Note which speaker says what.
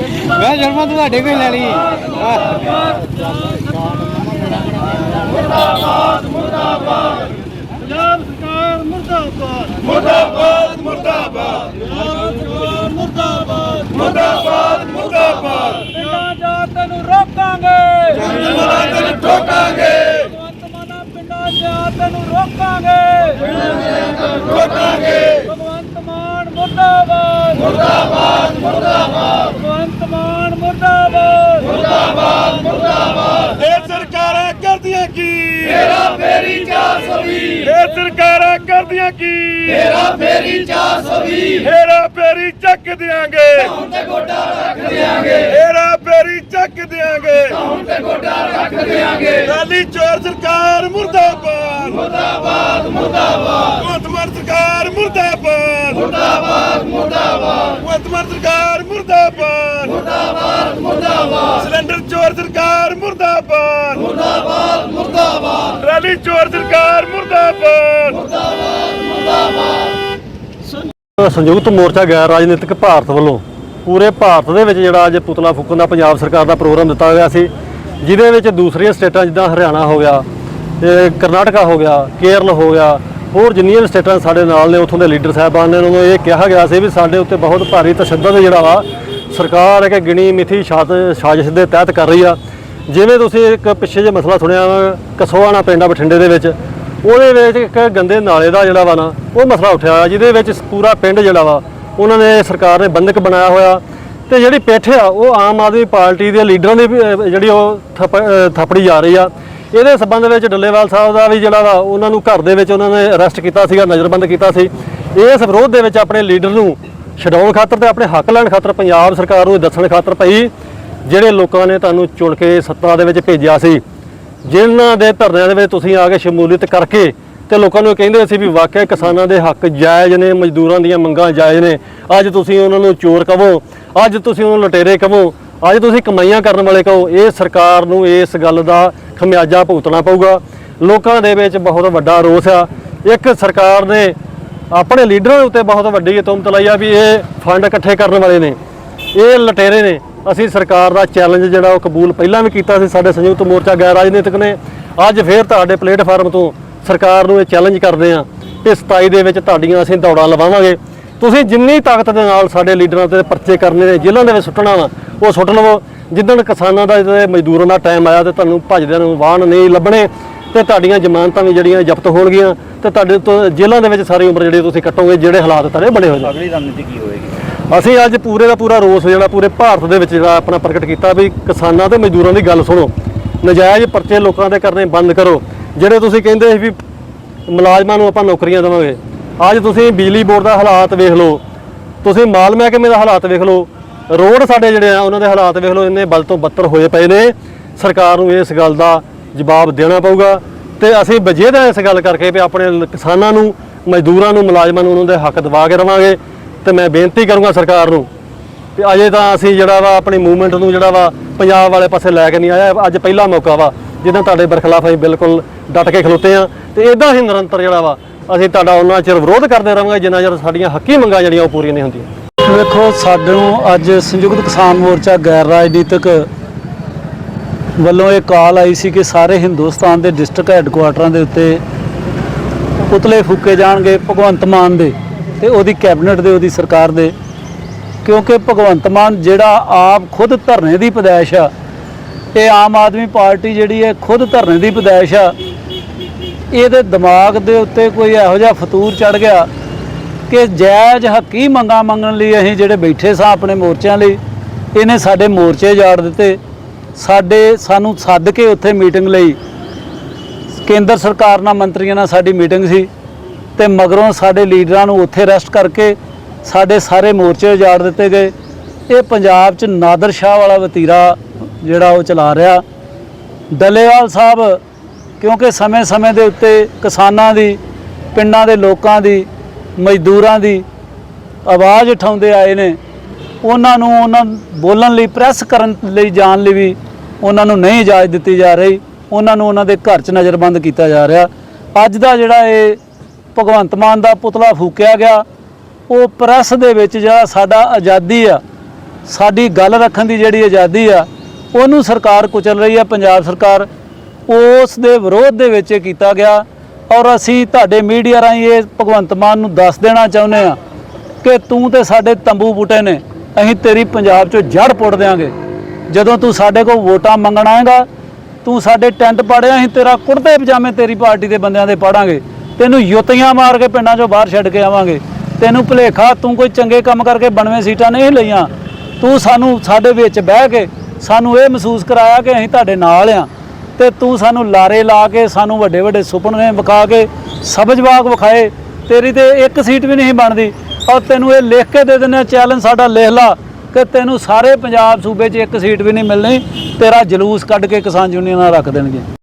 Speaker 1: मैं जन्म ਤੁਹਾਡੇ ਕੋਈ ਲੈਣੀ
Speaker 2: मुर्दाबाद मुर्दाबाद पंजाब सरकार मुर्दाबाद मुर्दाबाद मुर्दाबाद मुर्दाबाद मुर्दाबाद मुर्दाबाद पिंडां जा तैनूं रोकांगे तैनूं ठोकांगे भगवंत माना पिंडां जा तैनूं रोकांगे ठोकांगे भगवंत मान मुर्दाबाद मुर्दाबाद मुर्दाबाद भगवंत मान मुर्दाबाद मुर्दाबाद मुर्दाबाद ये सरकारां करदियां की हेरा फेरी 420 ये सरकारां करदियां की हेरा फेरी 420 हेरा फेरी चक देंगे हुण ते गोडा रख देंगे हेरा फेरी चक देंगे हुण ते गोडा रख देंगे गाली चोर सरकार मुर्दाबाद मुर्दाबाद मुर्दाबाद वर्तमान सरकार मुर्दाबाद मुर्दाबाद मुर्दाबाद वर्तमान सरकार मुर्दाबाद मुर्दाबाद मुर्दाबाद सिलेंडर चोर सरकार मुर्दाबाद मुर्दाबाद मुर्दाबाद रैली चोर सरकार मुर्दाबाद मुर्दाबाद मुर्दाबाद
Speaker 3: संयुक्त मोर्चा गैर राजनीतिक भारत ਵੱਲੋਂ ਪੂਰੇ ਭਾਰਤ ਦੇ ਵਿੱਚ ਜਿਹੜਾ ਅੱਜ ਪੁਤਲਾ ਫੂਕਣ ਦਾ ਪੰਜਾਬ ਸਰਕਾਰ ਦਾ ਪ੍ਰੋਗਰਾਮ ਦਿੱਤਾ ਗਿਆ ਸੀ, ਜਿਹਦੇ ਵਿੱਚ ਦੂਸਰੀਆਂ ਸਟੇਟਾਂ ਜਿੱਦਾਂ ਹਰਿਆਣਾ ਹੋ ਗਿਆ ਤੇ ਕਰਨਾਟਕਾ ਹੋ ਗਿਆ, ਕੇਰਲ ਹੋ ਗਿਆ, ਹੋਰ ਜਿੰਨੀਆਂ ਵੀ ਸਟੇਟਾਂ ਸਾਡੇ ਨਾਲ ਨੇ ਉੱਥੋਂ ਦੇ ਲੀਡਰ ਸਾਹਿਬਾਨ ਨੇ ਉਹਨਾਂ ਨੂੰ ਇਹ ਕਿਹਾ ਗਿਆ ਸੀ ਵੀ ਸਾਡੇ ਉੱਤੇ ਬਹੁਤ ਭਾਰੀ ਤਸ਼ੱਦਦ ਜਿਹੜਾ ਵਾ ਸਰਕਾਰ ਇੱਕ ਗਿਣੀ ਮਿਥੀ ਸਾਜ਼ਿਸ਼ ਦੇ ਤਹਿਤ ਕਰ ਰਹੀ ਆ। ਜਿਵੇਂ ਤੁਸੀਂ ਇੱਕ ਪਿੱਛੇ ਜੇ ਮਸਲਾ ਸੁਣਿਆ ਕਸੋਆਣਾ ਪਿੰਡ ਆ ਬਠਿੰਡੇ ਦੇ ਵਿੱਚ, ਉਹਦੇ ਵਿੱਚ ਇੱਕ ਗੰਦੇ ਨਾਲੇ ਦਾ ਜਿਹੜਾ ਵਾ ਨਾ ਉਹ ਮਸਲਾ ਉੱਠਿਆ, ਜਿਹਦੇ ਵਿੱਚ ਪੂਰਾ ਪਿੰਡ ਜਿਹੜਾ ਵਾ ਉਹਨਾਂ ਨੇ ਸਰਕਾਰ ਨੇ ਬੰਦਕ ਬਣਾਇਆ ਹੋਇਆ ਤੇ ਜਿਹੜੀ ਪਿੱਠ ਆ ਉਹ ਆਮ ਆਦਮੀ ਪਾਰਟੀ ਦੇ ਲੀਡਰਾਂ ਦੀ ਜਿਹੜੀ ਉਹ ਥਾਪੜੀ ਜਾ ਰਹੀ ਆ। ਇਹਦੇ ਸਬੰਧ ਵਿੱਚ ਡੱਲੇਵਾਲ ਸਾਹਿਬ ਦਾ ਵੀ ਜਿਹੜਾ ਵਾ ਉਹਨਾਂ ਨੂੰ ਘਰ ਦੇ ਵਿੱਚ ਉਹਨਾਂ ਨੇ ਅਰੈਸਟ ਕੀਤਾ ਸੀਗਾ, ਨਜ਼ਰਬੰਦ ਕੀਤਾ ਸੀ। ਇਸ ਵਿਰੋਧ ਦੇ ਵਿੱਚ ਆਪਣੇ ਲੀਡਰ ਨੂੰ ਛਡਾਉਣ ਖਾਤਰ ਤੇ ਆਪਣੇ ਹੱਕ ਲੈਣ ਖਾਤਰ ਪੰਜਾਬ ਸਰਕਾਰ ਨੂੰ ਦੱਸਣ ਖਾਤਰ ਭਈ ਜਿਹੜੇ ਲੋਕਾਂ ਨੇ ਤੁਹਾਨੂੰ ਚੁਣ ਕੇ ਸੱਤਾ ਦੇ ਵਿੱਚ ਭੇਜਿਆ ਸੀ, ਜਿਨ੍ਹਾਂ ਦੇ ਧਰਨਿਆਂ ਦੇ ਵਿੱਚ ਤੁਸੀਂ ਆ ਕੇ ਸ਼ਮੂਲੀਅਤ ਕਰਕੇ ਤੇ ਲੋਕਾਂ ਨੂੰ ਕਹਿੰਦੇ ਸੀ ਵੀ ਵਾਕਿਆ ਕਿਸਾਨਾਂ ਦੇ ਹੱਕ ਜਾਇਜ਼ ਨੇ, ਮਜ਼ਦੂਰਾਂ ਦੀਆਂ ਮੰਗਾਂ ਜਾਇਜ਼ ਨੇ, ਅੱਜ ਤੁਸੀਂ ਉਹਨਾਂ ਨੂੰ ਚੋਰ ਕਹੋ, ਅੱਜ ਤੁਸੀਂ ਉਹਨਾਂ ਨੂੰ ਲੁਟੇਰੇ ਕਹੋ, ਅੱਜ ਤੁਸੀਂ ਕਮਾਈਆਂ ਕਰਨ ਵਾਲੇ ਕਹੋ। ਇਹ ਸਰਕਾਰ ਨੂੰ ਇਸ ਗੱਲ ਦਾ ਖਮਿਆਜਾ ਭੁਗਤਣਾ ਪਊਗਾ। ਲੋਕਾਂ ਦੇ ਵਿੱਚ ਬਹੁਤ ਵੱਡਾ ਰੋਸ ਆ। ਇੱਕ ਸਰਕਾਰ ਨੇ ਆਪਣੇ ਲੀਡਰਾਂ ਉੱਤੇ ਬਹੁਤ ਵੱਡੀ ਤੁਹਮਤ ਲਾਈ ਆ ਵੀ ਇਹ ਫੰਡ ਇਕੱਠੇ ਕਰਨ ਵਾਲੇ ਨੇ, ਇਹ ਲੁਟੇਰੇ ਨੇ। ਅਸੀਂ ਸਰਕਾਰ ਦਾ ਚੈਲੰਜ ਜਿਹੜਾ ਉਹ ਕਬੂਲ ਪਹਿਲਾਂ ਵੀ ਕੀਤਾ ਸੀ ਸਾਡੇ ਸੰਯੁਕਤ ਮੋਰਚਾ ਗੈਰ ਰਾਜਨੀਤਿਕ ਨੇ। ਅੱਜ ਫੇਰ ਤੁਹਾਡੇ ਪਲੇਟਫਾਰਮ ਤੋਂ ਸਰਕਾਰ ਨੂੰ ਇਹ ਚੈਲੰਜ ਕਰਦੇ ਆ ਕਿ 27 ਦੇ ਵਿੱਚ ਤੁਹਾਡੀਆਂ ਅਸੀਂ ਦੌੜਾਂ ਲਵਾਵਾਂਗੇ। ਤੁਸੀਂ ਜਿੰਨੀ ਤਾਕਤ ਦੇ ਨਾਲ ਸਾਡੇ ਲੀਡਰਾਂ ਤੇ ਪਰਚੇ ਕਰਨੇ ਨੇ, ਜੇਲ੍ਹਾਂ ਦੇ ਵਿੱਚ ਸੁੱਟਣਾ ਵਾ ਉਹ ਸੁੱਟ ਲਵੋ। ਜਿੱਦਣ ਕਿਸਾਨਾਂ ਦਾ ਤੇ ਮਜ਼ਦੂਰਾਂ ਦਾ ਟਾਈਮ ਆਇਆ ਤੇ ਤੁਹਾਨੂੰ ਭੱਜਦਿਆਂ ਨੂੰ ਵਾਹਨ ਨਹੀਂ ਲੱਭਣੇ ਤੇ ਤੁਹਾਡੀਆਂ ਜ਼ਮਾਨਤਾਂ ਵੀ ਜਿਹੜੀਆਂ ਜ਼ਬਤ ਹੋਣਗੀਆਂ ਤੇ ਤੁਹਾਡੇ ਤੋਂ ਜੇਲ੍ਹਾਂ ਦੇ ਵਿੱਚ ਸਾਰੀ ਉਮਰ ਜਿਹੜੀ ਤੁਸੀਂ ਕੱਟੋਗੇ, ਜਿਹੜੇ ਹਾਲਾਤ ਤੁਹਾਡੇ ਬਣੇ ਹੋ ਜਾਣ।
Speaker 2: ਅਗਲੀ ਰਣਨੀਤੀ ਕੀ ਹੋਏਗੀ?
Speaker 3: ਅਸੀਂ ਅੱਜ ਪੂਰੇ ਦਾ ਪੂਰਾ ਰੋਸ ਜਿਹੜਾ ਪੂਰੇ ਭਾਰਤ ਦੇ ਵਿੱਚ ਜਿਹੜਾ ਆਪਣਾ ਪ੍ਰਗਟ ਕੀਤਾ ਵੀ ਕਿਸਾਨਾਂ ਤੇ ਮਜ਼ਦੂਰਾਂ ਦੀ ਗੱਲ ਸੁਣੋ, ਨਜਾਇਜ਼ ਪਰਚੇ ਲੋਕਾਂ ਦੇ ਕਰਨੇ ਬੰਦ ਕਰੋ। ਜਿਹੜੇ ਤੁਸੀਂ ਕਹਿੰਦੇ ਸੀ ਵੀ ਮੁਲਾਜ਼ਮਾਂ ਨੂੰ ਆਪਾਂ ਨੌਕਰੀਆਂ ਦੇਵਾਂਗੇ, ਅੱਜ ਤੁਸੀਂ ਬਿਜਲੀ ਬੋਰਡ ਦਾ ਹਾਲਾਤ ਵੇਖ ਲਓ, ਤੁਸੀਂ ਮਾਲ ਮਹਿਕਮੇ ਦਾ ਹਾਲਾਤ ਵੇਖ ਲਓ, ਰੋਡ ਸਾਡੇ ਜਿਹੜੇ ਆ ਉਹਨਾਂ ਦੇ ਹਾਲਾਤ ਵੇਖ ਲਓ, ਇੰਨੇ ਬਦ ਤੋਂ ਬੱਤਰ ਹੋਏ ਪਏ ਨੇ। ਸਰਕਾਰ ਨੂੰ ਇਸ ਗੱਲ ਦਾ ਜਵਾਬ ਦੇਣਾ ਪਊਗਾ ਤੇ ਅਸੀਂ ਵਜੇਦਾ ਇਸ ਗੱਲ ਕਰਕੇ ਵੀ ਆਪਣੇ ਕਿਸਾਨਾਂ ਨੂੰ, ਮਜ਼ਦੂਰਾਂ ਨੂੰ, ਮੁਲਾਜ਼ਮਾਂ ਨੂੰ ਉਹਨਾਂ ਦੇ ਹੱਕ ਦਿਵਾ ਕੇ ਰਵਾਂਗੇ। ਤੇ ਮੈਂ ਬੇਨਤੀ ਕਰੂੰਗਾ ਸਰਕਾਰ ਨੂੰ ਕਿ ਅਜੇ ਤਾਂ ਅਸੀਂ ਜਿਹੜਾ ਵਾ ਆਪਣੀ ਮੂਵਮੈਂਟ ਨੂੰ ਜਿਹੜਾ ਵਾ ਪੰਜਾਬ ਵਾਲੇ ਪਾਸੇ ਲੈ ਕੇ ਨਹੀਂ ਆਇਆ। ਅੱਜ ਪਹਿਲਾ ਮੌਕਾ ਵਾ ਜਿੱਦਾਂ ਤੁਹਾਡੇ ਬਰਖਲਾਫ ਅਸੀਂ ਬਿਲਕੁਲ ਡਟ ਕੇ ਖਲੋਤੇ ਆ ਤੇ ਇਦਾਂ ਹੀ ਨਿਰੰਤਰ ਜਿਹੜਾ ਵਾ ਅਸੀਂ ਤੁਹਾਡਾ ਉਹਨਾਂ ਚਿਰ ਵਿਰੋਧ ਕਰਦੇ ਰਹਾਂਗੇ ਜਿੰਨਾ ਚਿਰ ਸਾਡੀਆਂ ਹੱਕੀ ਮੰਗਾਂ ਜਿਹੜੀਆਂ ਉਹ ਪੂਰੀਆਂ ਨਹੀਂ ਹੁੰਦੀਆਂ।
Speaker 4: ਵੇਖੋ, ਸਾਨੂੰ ਅੱਜ ਸੰਯੁਕਤ ਕਿਸਾਨ ਮੋਰਚਾ ਗੈਰ ਰਾਜਨੀਤਿਕ ਵੱਲੋਂ ਇਹ ਕਾਲ ਆਈ ਸੀ ਕਿ ਸਾਰੇ ਹਿੰਦੁਸਤਾਨ ਦੇ ਡਿਸਟ੍ਰਿਕਟ ਹੈੱਡਕੁਆਟਰਾਂ ਦੇ ਉੱਤੇ ਪੁਤਲੇ ਫੂਕੇ ਜਾਣਗੇ ਭਗਵੰਤ ਮਾਨ ਦੇ ਤੇ ਉਹਦੀ ਕੈਬਨਿਟ ਦੇ, ਉਹਦੀ ਸਰਕਾਰ ਦੇ। ਕਿਉਂਕਿ ਭਗਵੰਤ ਮਾਨ ਜਿਹੜਾ ਆਪ ਖੁਦ ਧਰਨੇ ਦੀ ਪੈਦਾਇਸ਼ ਆ, ਇਹ ਆਮ ਆਦਮੀ ਪਾਰਟੀ ਜਿਹੜੀ ਹੈ ਖੁਦ ਧਰਨੇ ਦੀ ਪੈਦਾਇਸ਼ ਆ। ਇਹਦੇ ਦਿਮਾਗ ਦੇ ਉੱਤੇ ਕੋਈ ਇਹੋ ਜਿਹਾ ਫਤੂਰ ਚੜ੍ਹ ਗਿਆ ਕਿ ਜਾਇਜ਼ ਹੱਕੀ ਮੰਗਾਂ ਮੰਗਣ ਲਈ ਅਸੀਂ ਜਿਹੜੇ ਬੈਠੇ ਸਾਂ ਆਪਣੇ ਮੋਰਚਿਆਂ ਲਈ, ਇਹਨੇ ਸਾਡੇ ਮੋਰਚੇ ਜਾੜ ਦਿੱਤੇ। ਸਾਨੂੰ ਸੱਦ ਕੇ ਉੱਥੇ ਮੀਟਿੰਗ ਲਈ, ਕੇਂਦਰ ਸਰਕਾਰ ਨਾਲ ਮੰਤਰੀਆਂ ਨਾਲ ਸਾਡੀ ਮੀਟਿੰਗ ਸੀ ਤੇ ਮਗਰੋਂ ਸਾਡੇ ਲੀਡਰਾਂ ਨੂੰ ਉੱਥੇ ਅਰੈਸਟ ਕਰਕੇ ਸਾਡੇ ਸਾਰੇ ਮੋਰਚੇ ਉਜਾੜ ਦਿੱਤੇ ਗਏ। ਇਹ ਪੰਜਾਬ 'ਚ ਨਾਦਰ ਸ਼ਾਹ ਵਾਲਾ ਵਤੀਰਾ ਜਿਹੜਾ ਉਹ ਚਲਾ ਰਿਹਾ ਡੱਲੇਵਾਲ ਸਾਹਿਬ, ਕਿਉਂਕਿ ਸਮੇਂ-ਸਮੇਂ ਦੇ ਉੱਤੇ ਕਿਸਾਨਾਂ ਦੀ, ਪਿੰਡਾਂ ਦੇ ਲੋਕਾਂ ਦੀ, ਮਜ਼ਦੂਰਾਂ ਦੀ ਆਵਾਜ਼ ਉਠਾਉਂਦੇ ਆਏ ਨੇ। ਉਹਨਾਂ ਨੂੰ ਬੋਲਣ ਲਈ, ਪ੍ਰੈਸ ਕਰਨ ਲਈ ਜਾਣ ਲਈ ਵੀ ਉਹਨਾਂ ਨੂੰ ਨਹੀਂ ਇਜਾਜ਼ਤ ਦਿੱਤੀ ਜਾ ਰਹੀ। ਉਹਨਾਂ ਨੂੰ ਉਹਨਾਂ ਦੇ ਘਰ 'ਚ ਨਜ਼ਰਬੰਦ ਕੀਤਾ ਜਾ ਰਿਹਾ। ਅੱਜ ਦਾ ਜਿਹੜਾ ਇਹ ਭਗਵੰਤ ਮਾਨ ਦਾ ਪੁਤਲਾ ਫੂਕਿਆ ਗਿਆ, ਉਹ ਪ੍ਰੈਸ ਦੇ ਵਿੱਚ ਜਿਹੜਾ ਸਾਡਾ ਆਜ਼ਾਦੀ ਆ, ਸਾਡੀ ਗੱਲ ਰੱਖਣ ਦੀ ਜਿਹੜੀ ਆਜ਼ਾਦੀ ਆ ਉਹਨੂੰ ਸਰਕਾਰ ਕੁਚਲ ਰਹੀ ਆ। ਪੰਜਾਬ ਸਰਕਾਰ ਉਸ ਦੇ ਵਿਰੋਧ ਦੇ ਵਿੱਚ ਇਹ ਕੀਤਾ ਗਿਆ ਔਰ ਅਸੀਂ ਤੁਹਾਡੇ ਮੀਡੀਆ ਰਾਹੀਂ ਇਹ ਭਗਵੰਤ ਮਾਨ ਨੂੰ ਦੱਸ ਦੇਣਾ ਚਾਹੁੰਦੇ ਆ ਕਿ ਤੂੰ ਤੇ ਸਾਡੇ ਤੰਬੂ ਬੂਟੇ ਨੇ, ਅਸੀਂ ਤੇਰੀ ਪੰਜਾਬ 'ਚੋਂ ਜੜ ਪੁੱਟ ਦਿਆਂਗੇ। ਜਦੋਂ ਤੂੰ ਸਾਡੇ ਕੋਲ ਵੋਟਾਂ ਮੰਗਣ ਆਏਗਾ, ਤੂੰ ਸਾਡੇ ਟੈਂਟ ਪਾੜਿਆ, ਅਸੀਂ ਤੇਰਾ ਕੁੜਤੇ ਪਜਾਮੇ ਤੇਰੀ ਪਾਰਟੀ ਦੇ ਬੰਦਿਆਂ ਦੇ ਪਾੜਾਂਗੇ, ਤੈਨੂੰ ਯੁੱਤੀਆਂ ਮਾਰ ਕੇ ਪਿੰਡਾਂ 'ਚੋਂ ਬਾਹਰ ਛੱਡ ਕੇ ਆਵਾਂਗੇ। ਤੈਨੂੰ ਭੁਲੇਖਾ ਤੂੰ ਕੋਈ ਚੰਗੇ ਕੰਮ ਕਰਕੇ 92 ਸੀਟਾਂ ਨਹੀਂ ਲਈਆਂ, ਤੂੰ ਸਾਨੂੰ ਸਾਡੇ ਵਿੱਚ ਬਹਿ ਕੇ ਸਾਨੂੰ ਇਹ ਮਹਿਸੂਸ ਕਰਾਇਆ ਕਿ ਅਸੀਂ ਤੁਹਾਡੇ ਨਾਲ ਆ, ਤੇ ਤੂੰ ਸਾਨੂੰ ਲਾਰੇ ਲਾ ਕੇ ਸਾਨੂੰ ਵੱਡੇ ਵੱਡੇ ਸੁਪਨੇ ਵਿਖਾ ਕੇ ਸਬਜ਼ਬਾਗ ਵਿਖਾਏ, ਤੇਰੀ ਤੇ ਇੱਕ ਸੀਟ ਵੀ ਨਹੀਂ ਬਣਦੀ। ਔਰ ਤੈਨੂੰ ਇਹ ਲਿਖ ਕੇ ਦੇ ਦਿੰਦੇ ਚੈਲੰਜ ਸਾਡਾ ਲਿਖ ਲਾ ਕਿ ਤੈਨੂੰ ਸਾਰੇ ਪੰਜਾਬ ਸੂਬੇ 'ਚ ਇੱਕ ਸੀਟ ਵੀ ਨਹੀਂ ਮਿਲਣੀ, ਤੇਰਾ ਜਲੂਸ ਕੱਢ ਕੇ ਕਿਸਾਨ ਯੂਨੀਅਨਾਂ ਰੱਖ ਦੇਣਗੇ।